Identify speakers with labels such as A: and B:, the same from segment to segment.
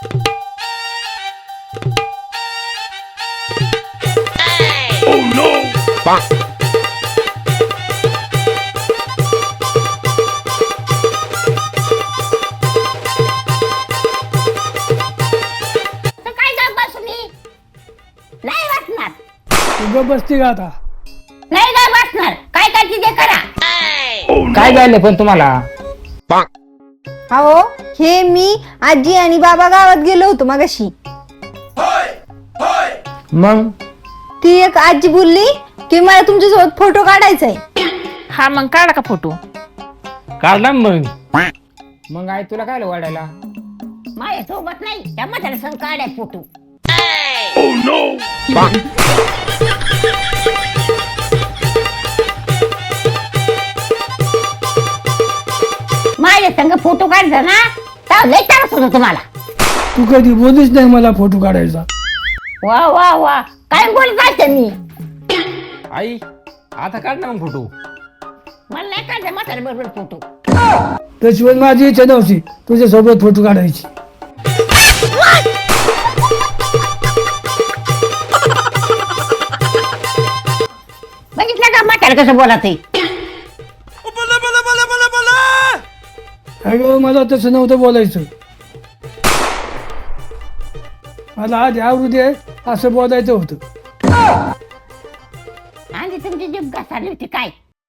A: Oh no!
B: काय का बसली नाही वाटणार
C: तुझं बसती का आता?
B: नाही काय वाटणार काय काय ते करा
D: काय झालं पण तुम्हाला?
E: अहो हे मी आजी आणि बाबा गावात गेलो होतो मगाशी.
D: मग
E: ती एक आजी बोलली की मला तुमच्यासोबत फोटो काढायचा आहे.
F: हा मग काढा का फोटो.
D: काढला मग आई तुला काय वाढायला?
B: माझ्या सोबत नाही त्या म्हाताऱ्या संग काढाय फोटो.
A: Oh no!
B: माझ्या संग फोटो काढचा ना तर लय त्रास होतो तुम्हाला.
C: तू कधी बोलीच नाही मला फोटो काढायचा.
B: वा वा वा काय बोलत असते मी.
D: आई आता काढ ना मग फोटो.
B: मला नाही काढायचं म्हाताऱ्या बरोबर फोटो.
C: त्याशिवाय माझी इच्छा नव्हती तुझ्यासोबत फोटो काढायची.
B: बघितलं का म्हाताऱ्या कसं बोलत आहे.
C: अगं मला तसं नव्हतं बोलायचं. मला आज आवडू दे असं बोलायचं होतं.
B: आणि तुमची जीभ घासाली होती काय.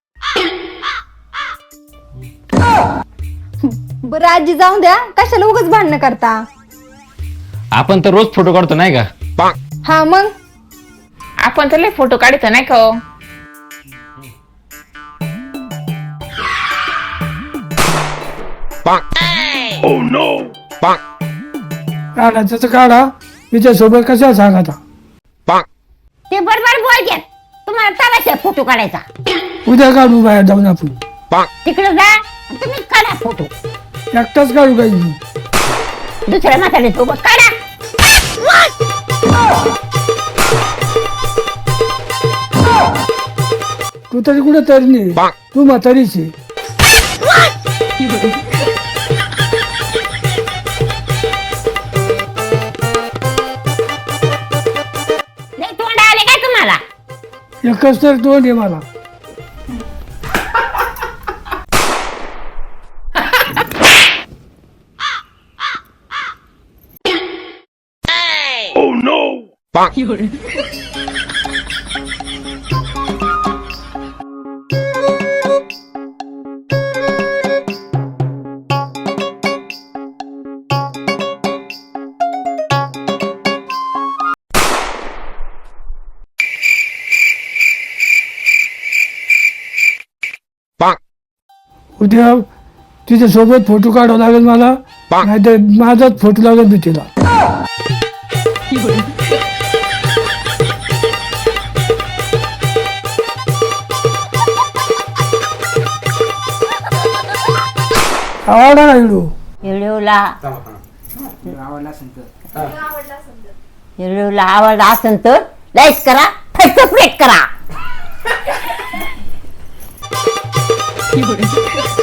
E: बरं आजी जाऊन द्या कशाला उगाच भांडणं करता.
D: आपण तर रोज फोटो काढतो नाही का?
E: हा मग
F: आपण तर लय फोटो काढतो नाही का हो?
A: Oh no!
C: काढायचं तर काढा तिच्यासोबत कशा सांग आता.
B: ते बरोबर बोलतात तुम्हाला तलाश फोटो काढायचा.
C: उद्या काढू बाहेर जाऊन आपण.
B: तिकडे जा आणि तुम्ही काढा फोटो.
C: एकटाच काढू काही नाही.
B: दुसऱ्या म्हाताऱ्या सोबत काढा.
C: तू तरी कुठे तरी नाही तू म्हातारीच आहे.
B: लय तोंड आले काय तुम्हाला.
C: एकच तर तोंड आहे मला.
A: Oh no!
C: उद्या तिच्यासोबत फोटो काढावा लागेल मला. नाहीतर माझाच फोटो लागेल मी तिला. आवडा ना व्हिडिओ.
B: व्हिडिओला आवडला असेल तर लाईक करा सबस्क्राईब करा.